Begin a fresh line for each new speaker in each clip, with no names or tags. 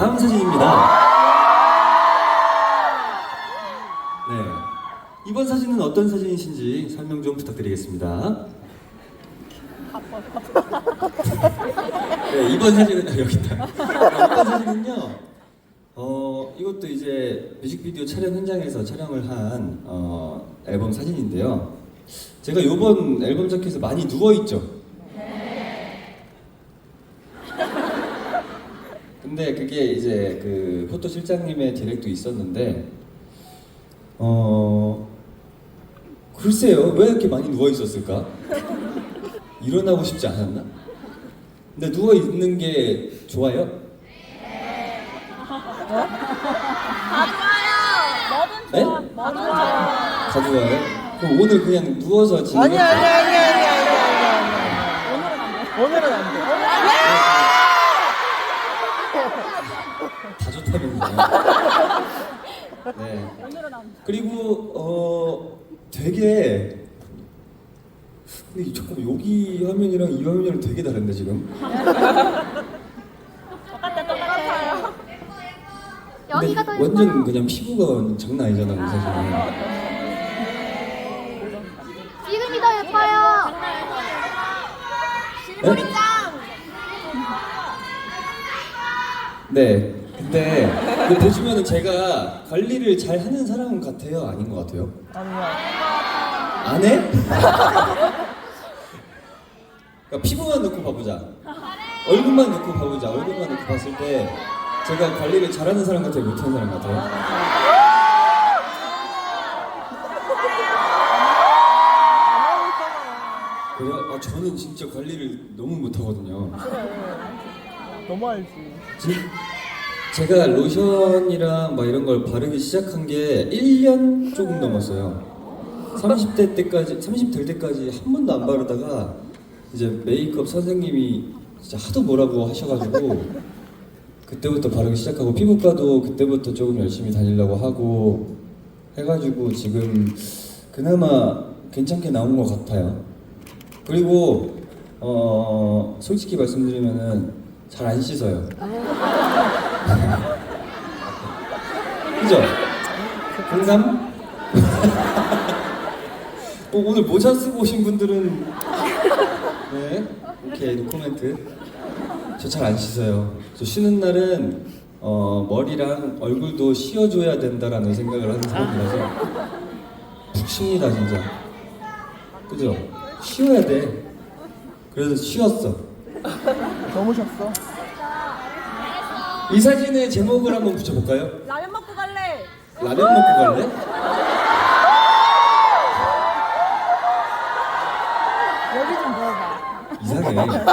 다음 사진입니다. 네, 이번 사진은 어떤 사진이신지 설명 좀 부탁드리겠습니다. 네, 이번 사진은 여기 있다. 이번 사진은요. 이것도 이제 뮤직비디오 촬영 현장에서 촬영을 한 앨범 사진인데요. 제가 이번 앨범 자켓에서 많이 누워 있죠. 근데 그게 이제 그 포토 실장님의 디렉도 있었는데, 글쎄요, 왜 이렇게 많이 누워 있었을까? 일어나고 싶지 않았나? 근데 누워 있는 게 좋아요?
다 좋아요. 뭐든
네?
좋아. 뭐든 좋아.
다 좋아요? 그럼 오늘 그냥 누워서 지내는
아니 오늘은 안 돼.
다 좋다면서요. 네.
오늘은 안 돼.
그리고 되게 근데 잠깐만 여기 화면이랑 이 화면이랑 되게 다른데 지금?
똑같아요.
여기가 더 완전 그냥 피부가 장난 아니잖아 이 사진은.
지금이 더 예뻐요.
실물이 짱! 네. 근데 보시면은 제가 관리를 잘 하는 사람 같아요? 아닌 것 같아요?
아니야.
안 해? 그러니까 피부만 놓고 봐보자. 얼굴만 놓고 봐보자. 얼굴만 놓고 봤을 때 제가 관리를 잘하는 사람 같아요? 못하는 사람 같아요? 그래요? 저는 진짜 관리를 너무 못하거든요.
너무 알지.
제가 로션이랑 막 이런 걸 바르기 시작한 게 1년 조금 넘었어요. 30대 때까지, 30 될 때까지 한 번도 안 바르다가 이제 메이크업 선생님이 진짜 하도 뭐라고 하셔가지고 그때부터 바르기 시작하고 피부과도 그때부터 조금 열심히 다니려고 하고 해가지고 지금 그나마 괜찮게 나온 것 같아요. 그리고 솔직히 말씀드리면은 잘 안 씻어요. 그죠? 공감? 오늘 모자 쓰고 오신 분들은 네, 오케이, 노코멘트. 저 잘 안 씻어요. 저 쉬는 날은 머리랑 얼굴도 씌워줘야 된다라는 생각을 하는 사람이라서 푹 쉽니다 진짜. 그죠? 쉬어야 돼. 그래서 쉬었어.
너무 쉬었어.
이 사진의 제목을 한번 붙여볼까요?
라면 먹고 갈래.
라면 먹고 갈래?
여기 좀 넣어봐.
이상해.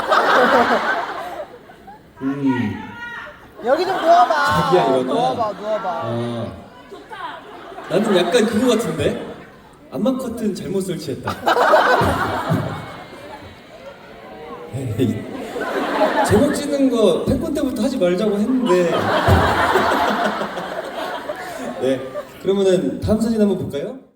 여기 좀 누워봐.
자기야, 이거는.
누워봐.
나는 약간 그거 같은데? 암막 커튼 잘못 설치했다. 에이, 제목 찍는 거 팬콘 때부터 하지 말자고 했는데. 네, 그러면은 다음 사진 한번 볼까요?